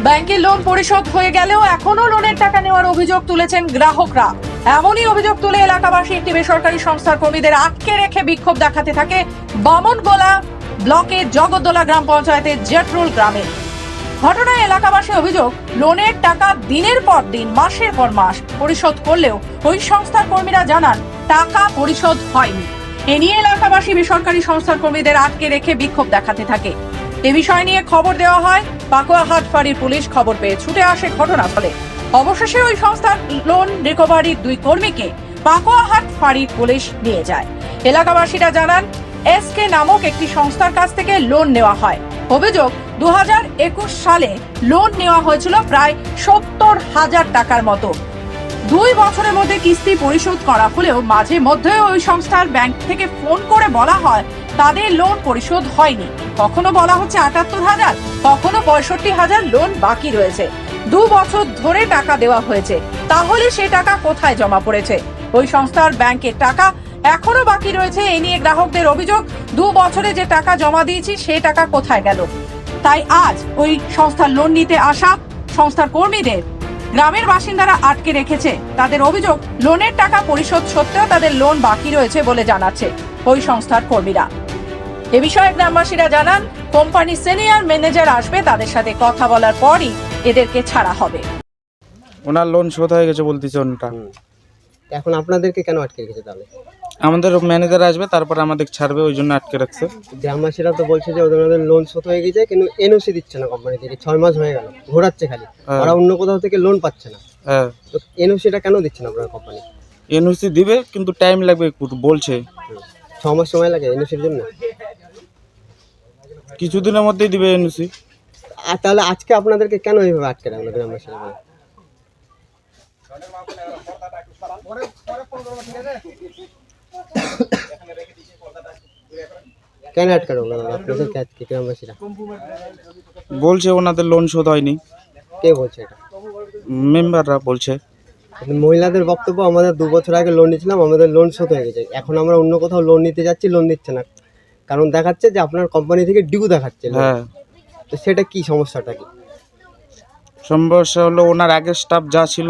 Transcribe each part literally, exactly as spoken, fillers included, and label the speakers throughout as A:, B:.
A: ব্যাংকের লোন পরিশোধ হয়ে গেলেও এখনো লোনের টাকা নেওয়ার অভিযোগ তুলেছেন গ্রাহকরা। এমনই অভিযোগ তুলে এলাকাবাসী একটি বেসরকারি সংস্থার কর্মীদের আটকে রেখে বিক্ষোভ দেখাতে থাকে বামনগোলা ব্লকের জগদ্দোলা গ্রাম পঞ্চায়েতের জেটরুল গ্রামে। ঘটনায় এলাকাবাসী অভিযোগ, লোনের টাকা দিনের পর দিন মাসের পর মাস পরিশোধ করলেও ওই সংস্থার কর্মীরা জানান টাকা পরিশোধ হয়নি। এ নিয়ে এলাকাবাসী বেসরকারি সংস্থার কর্মীদের আটকে রেখে বিক্ষোভ দেখাতে থাকে। এ বিষয় নিয়ে খবর দেওয়া হয়। পাকুয়াহাট ফাঁড়ির পুলিশ খবর পেয়ে ছুটে আসে ঘটনাস্থলে। অবশেষে ওই সংস্থার লোন রিকভারির দুই কর্মীকে পাকুয়াহাট ফাঁড়ির পুলিশ নিয়ে যায়। এলাকাবাসীরা জানান, এসকে নামক একটি সংস্থার কাছ থেকে লোন নেওয়া হয়। অভিযোগ, দু হাজার একুশ সালে লোন নেওয়া হয়েছিল প্রায় সত্তর হাজার টাকার মতো। দুই বছরের মধ্যে কিস্তি পরিশোধ করা হলেও মাঝে মধ্যে ওই সংস্থার ব্যাংক থেকে ফোন করে বলা হয় তাদের লোন পরিশোধ হয়নি। কখনো বলা হচ্ছে আটাত্তর হাজার, কখনো পঁয়ষট্টি হাজার লোন বাকি রয়েছে। দু বছর ধরে টাকা দেওয়া হয়েছে, তাহলে সে টাকা কোথায় জমা পড়েছে? ওই সংস্থার ব্যাংকের টাকা এখনো বাকি রয়েছে। এ নিয়ে গ্রাহকদের অভিযোগ, দু বছরে যে টাকা জমা দিয়েছি সে টাকা কোথায় গেল? তাই আজ ওই সংস্থার লোন নিতে আসা সংস্থার কর্মীদের গ্রামের বাসিন্দারা আটকে রেখেছে। তাদের অভিযোগ, লোনের টাকা পরিশোধ সত্ত্বেও তাদের লোন বাকি রয়েছে বলে জানাচ্ছে ওই সংস্থার কর্মীরা। এ বিষয়ে গ্রামবাসীরা জানান, কোম্পানি সিনিয়র ম্যানেজার আসবে, তাদের সাথে কথা বলার পরই এদেরকে ছাড়া হবে।
B: ওনার লোন শোধ হয়ে গেছে বলতেছে ওনটা।
C: এখন আপনাদেরকে কেন আটকে রেখেছে তাহলে?
B: আমাদের ম্যানেজার আসবে, তারপর আমাদের ছাড়বে, ওই জন্য আটকে রাখছে।
C: গ্রামবাসীরা তো বলছে যে ওদের ওদের লোন শোধ হয়ে গেছে, কিন্তু এনওসি দিচ্ছে না কোম্পানি থেকে। ছয় মাস হয়ে গেল, ঘোরাচ্ছে খালি, ওরা অন্য কোথাও থেকে লোন পাচ্ছে না।
B: হ্যাঁ,
C: তো এনওসিটা কেন দিচ্ছে না আপনার কোম্পানি?
B: এনওসি দিবে, কিন্তু টাইম লাগবে একটু বলছে।
C: ছ মাস সময় লাগে এনওসির জন্য?
B: কিছুদিনের মধ্যেই দিবে এনওসি।
C: আর তাহলে আজকে আপনাদেরকে কেন এইভাবে আটকে রাখলো গ্রামবাসীরা? কেন আটকে রাখলো আপনাদেরকে আজকে গ্রামবাসীরা?
B: বলছে ওনাদের লোন শোধ হয়নি।
C: কে বলছে এটা?
B: মেম্বাররা বলছে।
C: মহিলাদের বক্তব্য, আমাদের দু বছর আগে লোন নিয়েছিলাম, আমাদের লোন শোধ হয়ে গেছে, এখন আমরা অন্য কোথাও লোন নিতে যাচ্ছি, লোন দিচ্ছে না। কারণ দেখাচ্ছে যে আপনার কোম্পানি থেকে ডিউ দেখাচ্ছে।
B: হ্যাঁ,
C: তো সেটা কি সমস্যাটা কি?
B: সমস্যা হলো ওনার আগের স্টাফ যা ছিল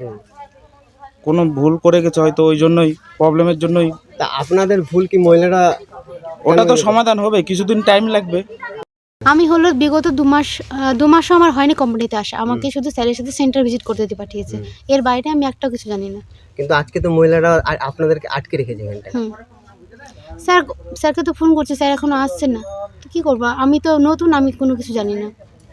B: কোনো ভুল করে গেছে হয়তো, ওই জন্যই, প্রবলেমের জন্যই।
C: তা আপনাদের ভুল কি মহিলারা?
B: ওটা তো সমাধান হবে, কিছুদিন টাইম লাগবে।
D: আমি হলো বিগত দু মাস দু মাসও আমার হয়নি কোম্পানিতে আসা। আমাকে শুধু স্যারের সাথে সেন্টার ভিজিট করতে দিয়ে পাঠিয়েছে, এর বাইরে আমি একটাও কিছু জানি না।
C: কিন্তু আজকে তো মহিলারা আ- আপনাদেরকে আটকে রেখেছে এখানটায়।
D: হুম স্যার স্যারকে তো ফোন করছে, স্যার এখনো আসছে না। তো কী করবো, আমি তো নতুন, আমি কোনো কিছু জানি না।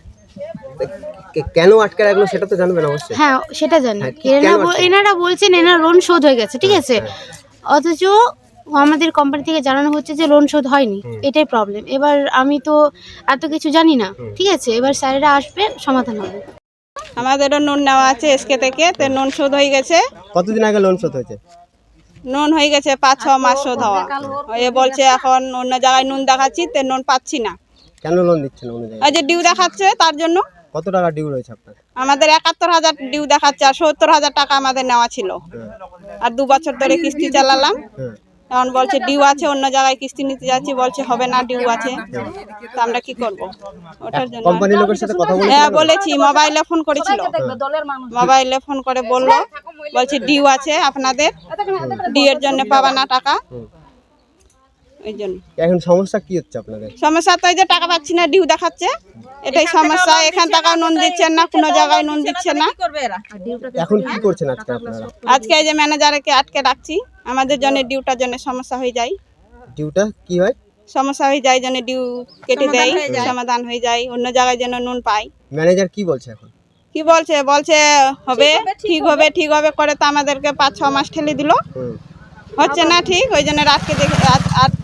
C: কে- কেন আটকে রাখলো সেটা তো জানবেন অবশ্যই।
D: হ্যাঁ সেটা জানি।
C: হ্যাঁ, কি-
D: এনারা
C: কেন
D: বল-
C: আটকে?
D: এনারা বলছেন এনার লোন শোধ হয়ে গেছে, ঠিক আছে, অথচ আমাদের কোম্পানি থেকে জানানো হচ্ছে যে লোন শোধ হয়নি। এটাই প্রবলেম। এবার আমি তো এত কিছু জানি না, ঠিক আছে, এবার স্যারেরা আসবে, সমাধান হবে।
E: আমাদেরও নুন নেওয়া আছে এসকে থেকে, তো নুন শোধ হয়ে গেছে।
C: কতদিন আগে লোন শোধ হয়েছে?
E: নুন হয়ে গেছে পাঁচ ছ মাস শোধ হওয়া। এ বলছে এখন অন্য জায়গায় নুন দেখাচ্ছি, তো নুন পাচ্ছি না।
C: কেন লোন দিচ্ছে না অন্য জায়গায়?
E: ওই যে ডিউ দেখাচ্ছে তার জন্য।
C: কত টাকা ডিউ রয়েছে আপনার?
E: আমাদের একাত্তর হাজার ডিউ দেখাচ্ছে, আর সত্তর হাজার টাকা আমাদের নেওয়া ছিল। আর দু বছর ধরে কিস্তি চালালাম,
C: হ্যাঁ।
E: এখন বলছে ডিউ আছে, অন্য জায়গায় কিস্তি নিতে যাচ্ছি, বলছে হবে না, ডিউ আছে। তো আমরা কি করব? ওটার জন্য
C: কোম্পানির লোকের সাথে কথা বলে?
E: হ্যাঁ বলেছি, মোবাইলে ফোন করেছিল, মোবাইলে ফোন করে বললো, বলছে ডিউ আছে আপনাদের, ডিউ এর জন্য পাবা না টাকা। ওই জন্য
C: এখন সমস্যা কি হচ্ছে আপনাদের?
E: সমস্যা তো এই যে টাকা পাচ্ছি না, ডিউ দেখাচ্ছে, এটাই সমস্যা। এখান টাকা নুন দিচ্ছেন না, কোনো জায়গায় নুন দিচ্ছে না।
C: এখন কি করছেন আজকে আপনারা?
E: আজকে এই যে ম্যানেজারকে আটকে রাখছি, আমাদের জন্য ডিউটার জন্য সমস্যা হয়ে যায়।
C: ডিউটা কি হয়?
E: সমস্যা হয়ে যায়, জন্য ডিউ কেটে দেয়, সমাধান হয়ে যায়, অন্য জায়গায় যেন নুন পাই।
C: ম্যানেজার কি বলছে এখন?
E: কি বলছে? বলছে হবে, ঠিক হবে, ঠিক হবে করে তো আমাদেরকে পাঁচ ছ মাস ঠেলে দিল,
C: হুম।
E: হচ্ছে না ঠিক, ওই জন্য রাতকে দেখে আজ